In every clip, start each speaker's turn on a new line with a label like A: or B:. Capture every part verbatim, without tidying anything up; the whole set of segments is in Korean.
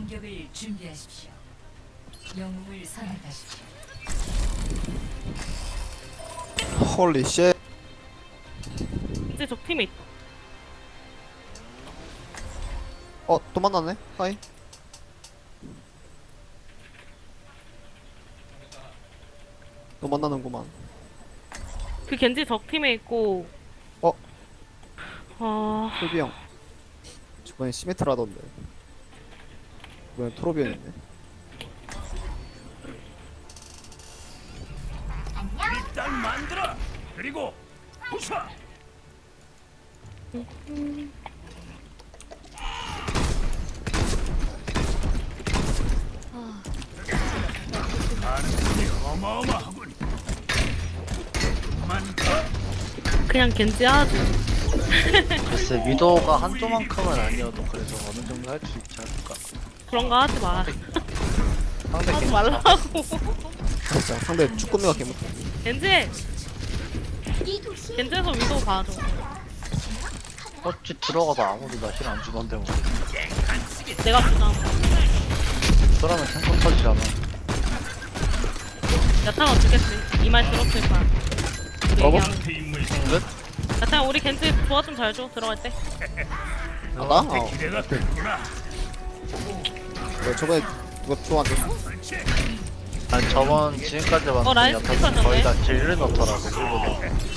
A: 공격을 준비하십시오. 영웅을 선택하십시오.
B: 홀리 쉣.
C: 이제 적 팀에 있다.
B: 어, 또 만났네. 하이. 또 만나는구만.
C: 그 겐지 적 팀에 있고.
B: 어?
C: 아,
B: 톨비 형. 저번에 시메트라던데. 이번엔 토로비언이네.
D: 일단 만들어. 그리고 부숴. 가능성이 어마어마하군. 만
C: 그냥 겐지 하지.
E: 글쎄 위도가 한조만큼은 아니어도 그래도 어느 정도 할 수 있지 않을까.
C: 그런 거 하지 마.
E: 상대
C: 하지
E: 괜찮아.
C: 말라고.
B: 진짜 상대 쭈꾸미가 개못해.
C: 겐지! 겐지에서 위도 봐줘.
E: 어찌 들어가도 아무도 나 힐 안 주던데 뭐.
C: 내가 주잖아.
E: 그러면 탱커 터지잖아.
C: 야타가 주겠지. 이 말 들었을 거야. 우리
B: 어머?
C: 얘기하는 거.
D: 인물
E: 끝?
C: 야타가 우리 겐지 조화 좀 잘 줘. 들어갈 때.
B: 아, 나? 어.
D: 기대가 크구나.
B: 왜 저번에 누가 좋아 안 줬어?
E: 아니 저번 지금까지
C: 어,
E: 봤던
C: 라인
E: 야타는
C: 스킵하셨네.
E: 거의 다 딜을 넣더라고 일부러.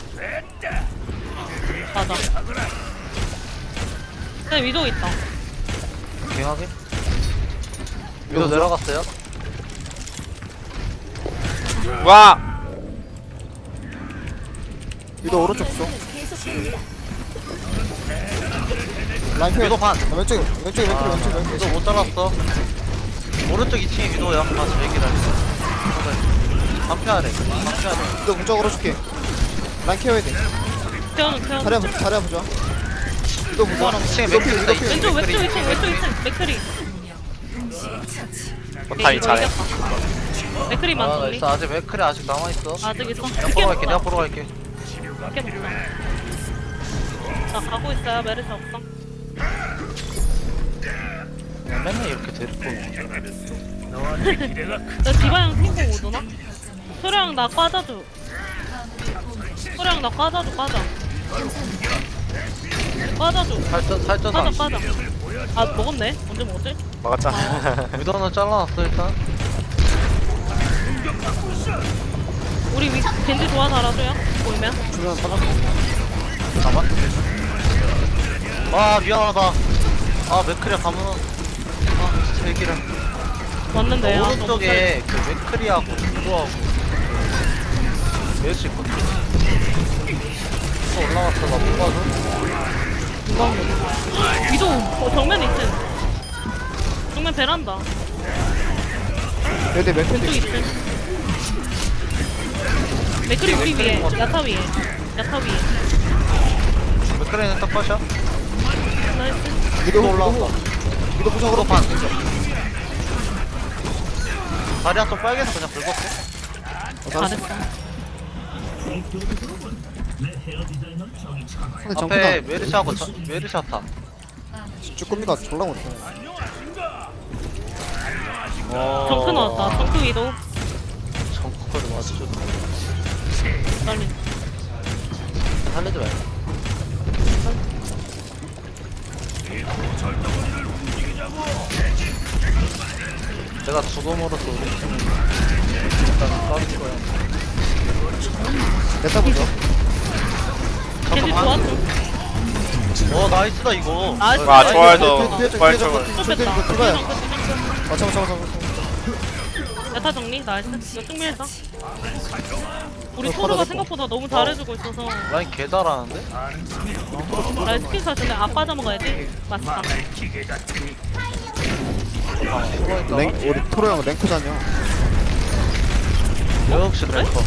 C: 맞아. 근데 위도 있다.
E: 갱하게? 위도 내려갔어요?
F: 와!
B: 위도 오른쪽 쪽. 라인 피.
E: 위도 반!
B: 아, 왼쪽에 왼쪽에 왼쪽에
E: 아,
B: 왼쪽에
E: 위도
B: 왼쪽에.
E: 못 잘랐어. 오른쪽 이 층에 위도야. 아 저 얘기를 반피하래. 반피하래.
B: 위도 공적으로 줄게. 라인 케어해야 돼.
C: 태어는 태어는.
B: 자리야 보자. 자리야 보자. 위도 보자.
E: 이 층에
B: 위도 피.
E: 맥크리
B: 위도
E: 있다.
B: 피.
C: 왼쪽 왼쪽
E: 맥크리.
C: 이 층 왼쪽 이 층. 맥크리.
F: 포타이 잘해.
C: 맥크리만
E: 아, 나
C: 정리.
E: 있어. 아직 맥크리 아직 남아있어.
C: 아직 있어.
E: 내가 보러 갈게. 내가 보러 갈게.
C: 함께 먹자. 나 가고 있어요. 메르시 없어.
E: 그냥 맨날 이렇게 데리고
D: 너한테 기대가 크.
C: 나 디바형 핑퐁 오더나? 소령 나 꽈자줘. 소령 나 꽈자줘 꽈자. 꽈자줘.
E: 살쪄 살쪄서
C: 꽈자
E: 안
C: 꽈자. 아 먹었네? 언제 먹었지?
F: 막았잖아.
E: 위도는 잘라놨어 일단.
C: 우리 위, 겐지 좋아 달아줘요? 보이면?
B: 주변 빠졌어.
E: 잠깐만. 아 미안하다. 아 맥크리아 가면 아 진짜 얘기를.
C: 왔는데 아,
E: 오른쪽에 그 맥크리하고 위도하고 메르시 있거든. 또 올라갔어. 나 못 봐줘.
C: 누가 온 거지? 위도 어, 정면 있지? 정면 베란다.
B: 얘네 몇
C: 왼쪽
B: 팬데?
C: 있지? 맥크리 우리 위에 야타 위에 야타 위에
E: 맥크리는 딱 빠셔.
C: 나이스.
B: 위도
E: 또 올라왔다.
B: 올라왔다. 위도 부상으로
E: 반. 다리야 또 빨개서 그냥 긁었어.
C: 잘했어.
B: 상대
E: 앞에
B: 정크다.
E: 메르시하고 저, 메르시아타.
B: 쭈꾸미가 졸라 못해.
E: 어...
C: 정크 나왔다. 정크 위도.
E: 정크까지 맞춰줘.
C: 빨리.
E: 살리지 말고. 내가 죽음으로써 우리 팀을 일단 까줄 거야.
B: 내타 보자.
C: 겐지
E: 잠깐만.
C: 좋았어.
E: 어 나이스다 이거.
C: 나이스.
F: 와,
C: 나이스.
F: 좋아해서
B: 뒤에 좀,
F: 부활
B: 뒤에 좀,
F: 쪽을.
B: 뒤에
C: 또
B: 좀,
C: 뺐다.
B: 이거 들어가요.
C: 정크, 정크.
B: 아, 잠깐, 잠깐, 잠깐.
C: 야타 정리 나이스. 이거 쭉 밀자. 우리
B: 어,
C: 토르가
B: 걸어놓고.
C: 생각보다 너무 잘해주고 있어서
E: 라인 개 잘하는데?
C: 라인 스킬 잘 텐데 아 빠져먹어야지. 맞다.
D: 기계가 크.
E: 아 숨어있다.
B: 랭, 우리 토로 형 랭크잖여.
E: 역시 랭커.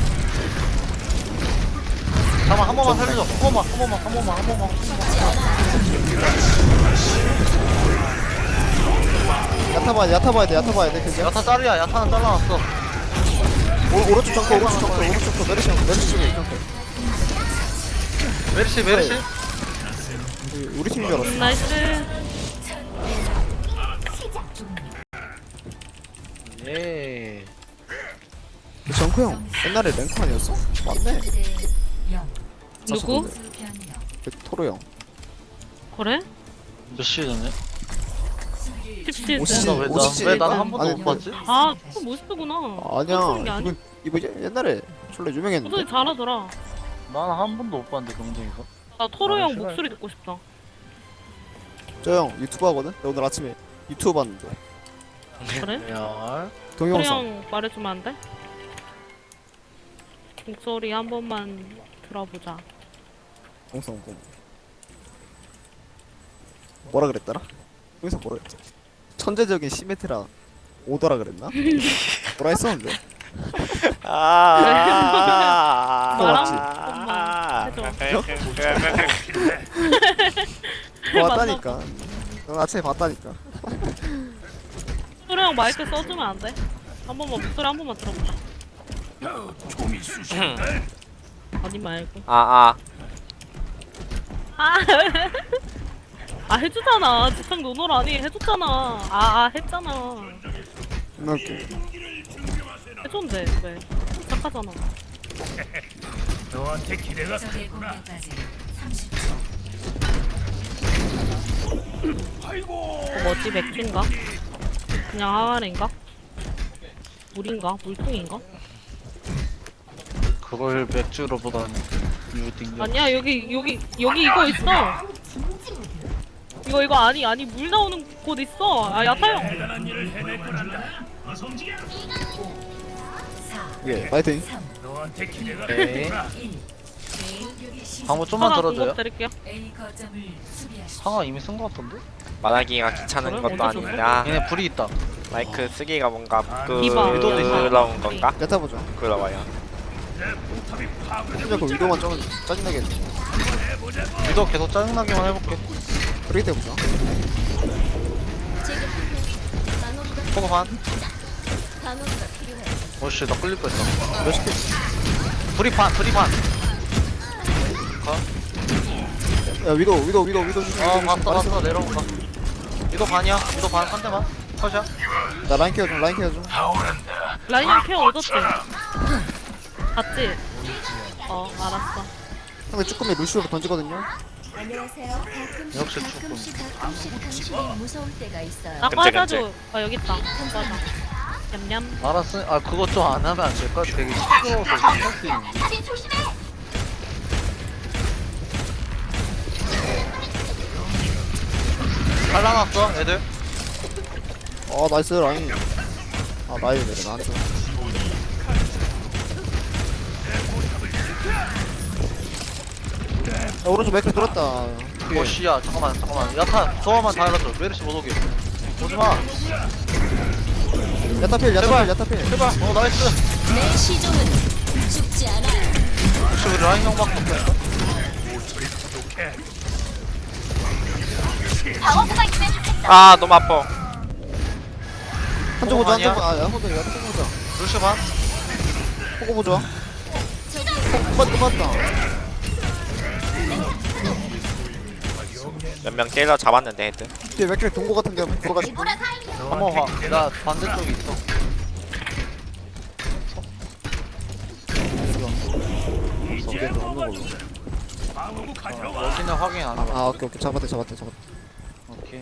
E: 잠깐만 한 번만 살려줘. 한 번만 한 번만 한 번만 한 번만.
B: 야타 봐야 돼, 야타 봐야 돼, 야타 봐야 돼, 그지?
E: 야타 짤이야. 야타는 잘라놨어.
B: 오, 오른쪽 정크, 오른쪽 정크, 오른쪽 정크, 메르시 형, 메르시 쪽에 정크.
E: 메르시 메르시.
B: 우리, 우리 팀인 줄 알았어.
C: 나이스.
E: 예.
B: 정크 형 옛날에 랭크 아니었어? 맞네.
A: 영.
C: 누구?
A: 수 변형.
B: 그 토로 형.
C: 그래?
E: 몇 시즌에?
A: 수비를
C: 십칠
B: 오십
C: 세.
B: 오
E: 왜나왜난
B: 오십칠
E: 한 번도
B: 아니,
E: 못 봤지?
C: 아 그거 모스트구나.
B: 아니야.
C: 게 아니야?
B: 이거 이거 옛- 옛날에 졸라 유명했는데.
C: 목소리 잘하더라.
E: 난 한 번도 못 봤는데 경쟁에서.
C: 나 토로
E: 아,
C: 형
E: 싫어요.
C: 목소리 듣고 싶다.
B: 저 형 유튜브 하거든. 나 오늘 아침에 유튜브 봤는데
C: 그래?
E: 레알.
C: 토로
B: 동영상.
C: 형 말해주면 안 돼? 목소리 한 번만 들어보자.
B: 동영상 보. 뭐라 그랬더라? 동영상 뭐라 그랬지? 천재적인 시메트라 오더라 그랬나? 뭐라 했었는데.
F: 아.
B: 그거 맞지?
C: 엄마 해줘.
B: 그거 봤다니까. 너 아침에 봤다니까.
C: 토로 형 마이크 써주면 안 돼? 한 번만 목소리 한 번만 들어보자.
D: 종이 쑤신다.
C: 아니 말고.
F: 아, 아.
C: 아, 아 해주잖아. 지창 노노라니 해줬잖아. 아, 아 했잖아.
B: 존나 웃겨.
C: 해줬는데 왜? 착하잖아.
D: 너한테 기대가
A: 적의
D: 크구나.
A: 공격까지 삼십 초.
D: 아이고.
C: 그거 뭐지? 맥주인가? 그냥 항아리인가? 물인가? 물통인가?
E: 그걸 맥주로 보다니. 이거 띵겨.
C: 아니야 여기 여기 여기 이거 있어. 이거 이거 아니 아니 물 나오는 곳 있어. 아 야타형.
D: 대단한 일을 해낼 거란다. 어서 움직여.
A: 사,
B: 예, 파이팅.
A: 삼,
D: 너한테 기대가
E: 오케이.
D: 크구나.
A: 일. 공격이 시작.
E: 방금 좀만
C: 하나
E: 들어줘요.
C: 공급 드릴게요.
A: A 거점을 수비하십시오.
E: 상아 이미 쓴 거 같던데?
F: 말하기가 귀찮은
C: 그래?
F: 것도
C: 언제
F: 아니냐.
E: 얘네 불이 있다.
F: 마이크 쓰기가 뭔가
C: 이봐.
E: 위도도 있어요.
F: 부끄러운 건가?
B: 야타 보자.
F: 부끄러워요.
D: 내 포탑이 파괴되고
B: 진짜 그 위도만 좀 짜증나게 했네.
E: 위도 계속 짜증나게만 해볼게.
B: 그렇게 때 보자.
E: 포고 반. 오씨 나 끌릴 뻔했다.
B: 몇 시켰지?
E: 불이 반 불이 반.
B: 야 위도 위도 위도 위도 조심.
E: 어
B: 위도
E: 봤어
B: 조심.
E: 봤어 내려온다. 위도 반이야. 위도 반 한 대만. 컷이야.
B: 나 라인 케어 좀 라인 케어 좀.
C: 라인형 케어 얻었지? 봤지? 어 알았어.
B: 상대 쭈꾸미 루시오로 던지거든요.
G: 안녕하세요. 가끔씩
E: 역시
G: 가끔씩 가끔씩 당신이 무서울 때가 있어요.
C: 나
F: 끔찍,
C: 과자줘. 아 여기 있다. 과자. 냠냠.
E: 알았어. 아 그거 좀 안 하면 안 될까? 되게 시끄러워서 신경 쓰이네. 잘라놨어 애들.
B: 아 나이스 라인. 아 라인 내려 나한테. 야 오른쪽 맥크 들었다. 뒤에.
E: 오씨야 잠깐만 잠깐만. 야타 저거만 다 해놨어. 메르시 못 오게. 오지마.
B: 야타필 야타필 야타필.
E: 제발. 어 나이스.
G: 내 시종은 죽지 않아.
E: 혹시 우리 라인 형밖에 없다.
F: 아, 너무 아파.
B: 한쪽 보자
E: 아니야?
B: 한쪽 보자. 아 한쪽 보자 한쪽 보자.
E: 루시 반.
B: 보고 보자. 맞다 맞다.
F: 몇 명 때려 잡았는데 헤드.
B: 뒤에 맥크 동고 같은 데 돌아가지고.
E: 한번 봐. 나 반대쪽에 있어.
B: 이게 더 없는 걸로.
D: 방어구 가져와.
E: 여기는 확인 안 해봐.
B: 아 오케이 오케이 잡았대 잡았대 잡았대.
E: 오케이.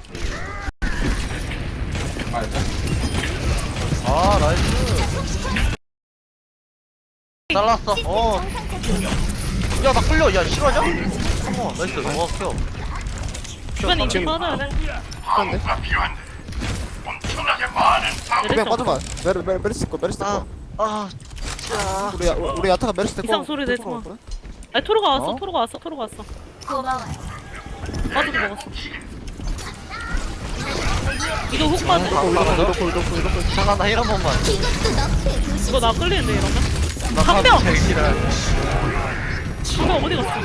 E: 아 나이스. 잘랐어. 어. 야 나 끌려. 야 싫어하냐? 어머 나이스. 와 켜.
C: 주변에 인기 빠져야 돼.
B: 그런데? 그냥 빠져봐. 메르 메르 메르스 거 메르스 거.
E: 아. 자.
B: 우리 야- 우리 야타가 메르스 거.
C: 이상 소리 내지 마. 아니 토로가 왔어.
E: 어?
C: 토로가 왔어. 토로가 왔어.
G: 고마워요.
C: 빠져도 먹었어. 이거 훅 빠져.
B: 이렇게 이렇게 이렇게.
E: 잠깐 나 힐 한 번만.
G: 이것도 너프의 도시.
C: 이거 나 끌리는데 이러면?
E: 나
C: 한 명!
E: 제일 싫어.
C: 한명 어디 갔어?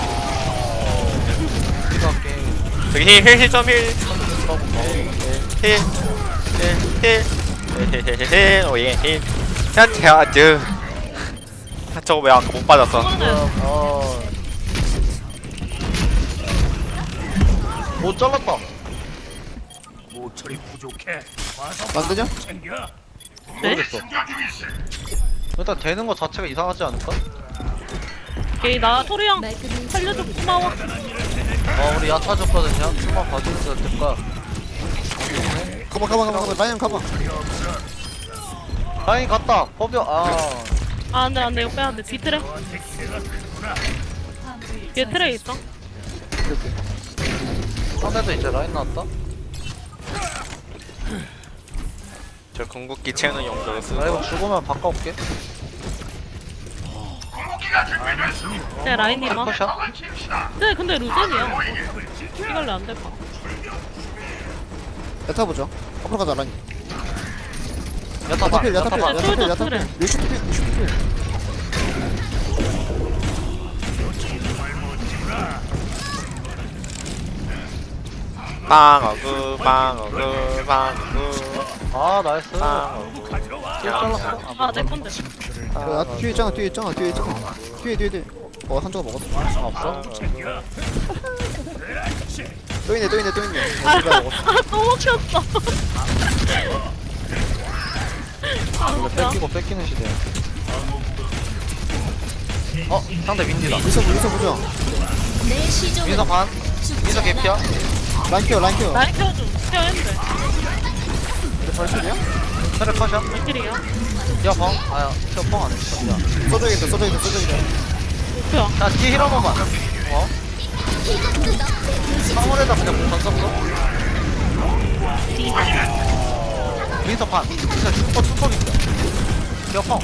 E: 이거 게임.
F: 저기 힐, 힐, 힐, 점 힐. 힐. 힐, 힐. 힐, 힐, 힐. 오예, 힐. 현재 아주. 저거 왜 아까 못 빠졌어?
C: 이거는
E: 어. 못 잘랐다.
D: 모철이 부족해. 와서
B: 만드냐?
D: 챙겨.
C: 네?
E: 모르겠어. 일단 되는 거 자체가 이상하지 않을까?
C: 오케이 나 토리형
G: 말끔히
C: 살려줘 고마워.
E: 어 우리 야타 줬거든요. 좀만 봐주는 게 어떨까?
B: 가봐 가봐 가봐 가봐 라이언 가봐.
E: 라인 갔다. 허벼. 아
C: 아 안돼 안돼 이거 빼야돼. 뒤트레 뒤에 트레 있어.
E: 상대도 이제 라인 나왔다.
F: 저 궁극기 채우는 용도로 쓰고.
E: 나 이거 죽으면 바꿔올게.
C: 제 라인이만.
E: 컷샷.
C: 네 근데 루젠이야. 이걸로 안 될까?
B: 야타 보자. 앞으로 가자 라인.
E: 야타 봐.
B: 야타필
E: 야타
B: 야타필
E: 봐.
C: 네,
B: 야타필
C: 솔저
B: 야타필.
C: 그래.
B: 루시필 루시필.
F: 빵어그 빵어그 빵어그
E: 아 나이스.
F: 빵어그.
E: 킬 잘랐어.
C: 아 내 건데.
B: 야 뒤에 있잖아 뒤에 있잖아 뒤에 있잖아. 뒤에 뒤에 뒤에. 어 한조가 먹었어.
E: 아 없어?
B: 또 있네 또 있네 또 있네.
C: 아,
B: 어, 누가 먹었어.
C: 아, 또 먹혔어. 아,
E: 이거
C: 웃겨.
E: 뺏기고 뺏기는 시대야. 어 상대 윈디다.
B: 미서 미서 보자.
G: 내 시종은
E: 민서 반.
G: 죽지
E: 민서
G: 않아.
E: 개피야.
B: 라인 키워 라인 키워.
C: 라인 켜줘. 켜 했는데.
B: 근데 발소리야?
E: 차례 컷이야.
C: 킬이야.
E: 야 방. 아야 켜뻥 안 했어. 야.
B: 써줘야겠다 써줘야겠다 써줘야겠다.
C: 목표야.
E: 자 뒤에 힐 한 번만. 어?
G: 이것도 너의 도시.
E: 사물에다 그냥 던졌어. 민서 반. 민서 슈퍼 투퍼인데. 야 뻥.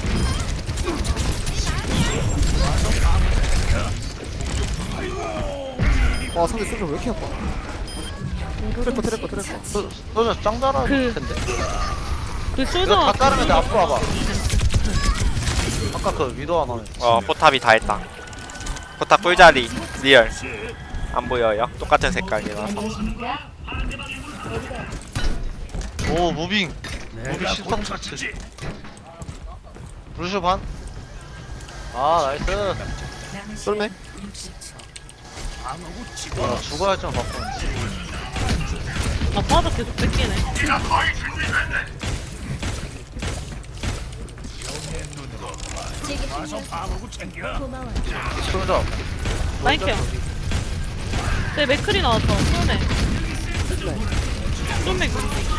B: 와 상대 소주 왜 이렇게 아파? 트래커 트래커 트래커.
E: 소- 소저 짱 잘하는
C: 그-
E: 텐데.
C: 그
E: 이거
C: 솔저.
E: 다 자르면 돼. 앞으로 와봐. 아까 그 위도 하나.
F: 어 포탑이 다 했다. 포탑 꿀자리 리얼. 안 보여요? 똑같은 색깔이라서.
E: 오 무빙. 무빙
D: 내가
E: 신성
D: 고쳤지.
E: 루슈 반. 아 나이스.
B: 쏠매?
A: 육십 초.
D: 방어구
E: 야,
D: 집어.
E: 죽어야 좀 바꾸는데.
C: 아 빠져 계속 뺏기네.
G: 제게
D: 와서 방어구 챙겨.
G: 고마워.
E: 소저.
C: 라인 켜. 네 맥클이 나왔어. 손에. 좀 맥.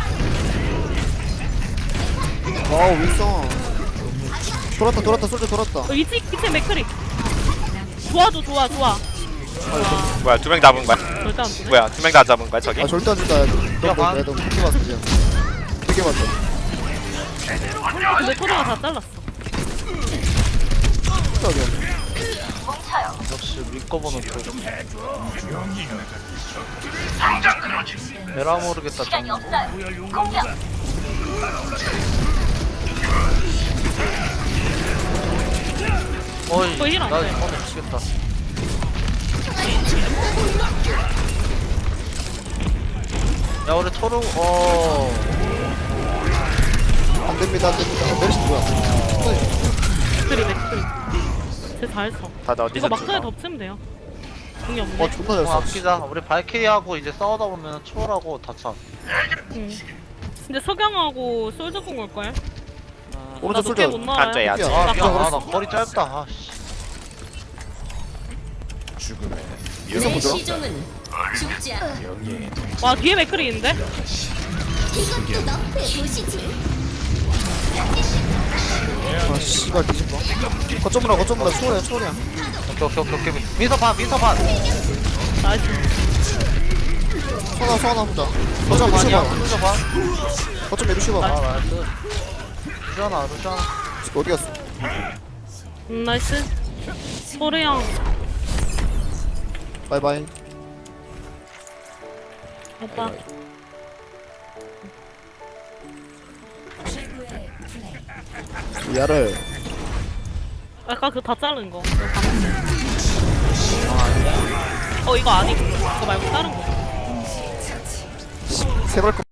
B: 와우 윌son. 돌았다 돌았다 소주 돌았다.
C: 어 이치 이치 맥클이. 좋아줘 좋아 좋아.
F: 뭐야 두 명 잡은 거야?
C: 절대 안 돼.
F: 뭐야 두 명 다 잡은 거야 저기?
B: 아 절대 안 된다.
E: 야, 반.
B: 너너 너무 크게 봤어 지금. 되게 봤어.
C: 근데 토리가 다 잘랐어.
B: 진짜 어디야?
E: 역시 믿고 보는 쪽. 에라 모르겠다. 좀.
D: 부여 용감보다
E: 어이.
C: 거의 힐안
E: 나
C: 돼.
E: 이거 미치겠다. 야 우리 토르 어.
B: 안 됩니다 안 됩니다. 메르시 뭐야?
C: 맥클이 맥클이. 쟤다 했어.
F: 다들 어디서
C: 이거 막판에
F: 죽어?
C: 덮치면 돼요. 공이 없네.
B: 와 존나 잘
E: 어,
B: 써.
E: 아끼자. 우리 발키리하고 이제 싸우다 보면 초월하고 다쳐.
C: 응. 근데 석양하고 솔저 공 올걸?
B: 오른쪽
C: 나 높게
B: 솔져.
C: 못 나와요.
F: 앉아야지.
B: 야,
E: 아
C: 나
E: 미안.
C: 가-
E: 아, 나 머리 짧다. 아 씨.
B: 윌son
G: 내
B: 보자.
G: 시종은 죽지 않아.
C: 와 뒤에 맥클이 있는데?
G: 이것도 너의 도시지.
B: 아 씨발 뒤집어. 거점으로 거점으로 초월이야 초월이야.
E: 오케이 오케이 오케이 오케이. 민서 반 민서 반.
C: 나이스.
B: 소나 소나 보자.
E: 민서
B: 거점 메르시
E: 반이야.
B: 봐.
E: 민서 반.
B: 거점 메르시 봐.
E: 아 나이스. 루시아나 루시아나.
B: 어디 갔어?
C: 음, 나이스. 토리형.
B: 바이바이.
C: 오빠.
A: 최고의 플레이.
B: 야를.
C: 아까 그 다 자른 거. 이거 봤는데. 어 이거 아니고. 이거 말고 다른 거.
B: 세발거